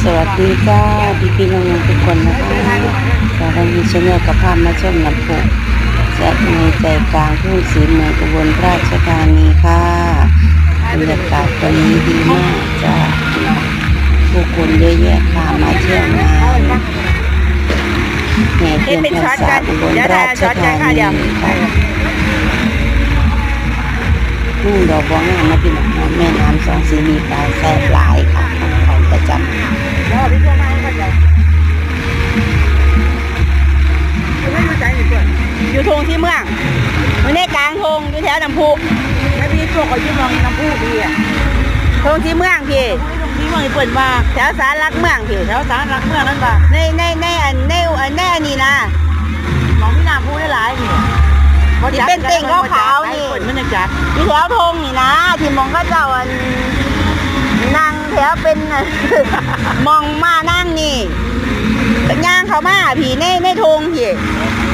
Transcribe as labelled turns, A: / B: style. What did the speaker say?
A: สวัสดีจ้าพี่น้องๆทุกคนนะคะตอนนี้ชาแนลกับพามาชมน้ำพุจากในใจกลางทุ่งศรีเมืองอุบลราชธานีค่ะบรรยากาศตอนนี้ดีมากจ้าผู้คนเยอะแยะค่ะมาเที่ยวงานแห่เทียนพรรษาอุบลราชธานีค่ะทุ่งดอกบัวงามนะพี่น้องแม่น้ำสองสีมีปลาแซ่บหลายค่ะของประจำ
B: อยู่ทงที่เมืองอยู่ในกลางทงอยู่แถวน้ำพุแล้วพี่ตัวเขาอยู่มองน้ำพุพี่อ่ะทงที่เมืองพี่ที่เมืองเปิดมาแถวสารลักเมืองพี่แถวสารลักเมืองนั่นป่ะในอันนี้นะมองพี่น้ำพุได้หลายนี่ที่เป็นเต่งขาวๆนี่มันจะจัดอยู่แถวทงนี่นะที่มองก็เจ้าอันนั่งแถวเป็นมองมานั่งนี่ย่างเขามาพี่ในทงพี่